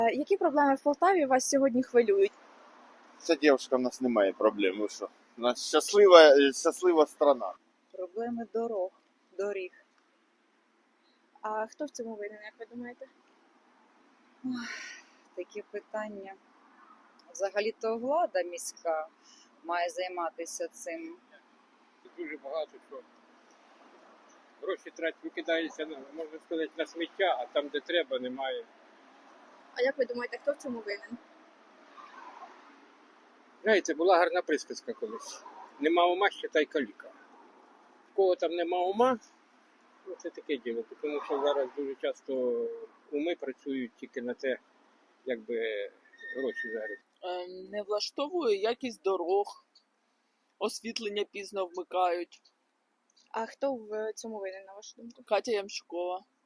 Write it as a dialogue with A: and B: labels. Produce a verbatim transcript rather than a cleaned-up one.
A: Е, Які проблеми в Полтаві вас сьогодні хвилюють?
B: Ця дівчинка, в нас немає проблем. Ви що? У нас щаслива, щаслива страна.
C: Проблеми дорог, доріг.
A: А хто в цьому винен, як ви думаєте?
C: Такі питання. Взагалі-то влада міська має займатися цим.
D: Дуже багато що. Гроші трать викидаються, можна сказати, на сміття, а там, де треба, немає.
A: А як ви думаєте, хто в цьому винен?
D: Знаєте, була гарна присказка колись. Нема ума, считай каліка. В кого там нема ума, ну це таке діло, тому що зараз дуже часто уми працюють тільки на те, якби гроші заробити.
E: Ем, Не влаштовує якість дорог, освітлення пізно вмикають.
A: А хто в цьому винен, на вашу думку?
E: Катя Ямщикова.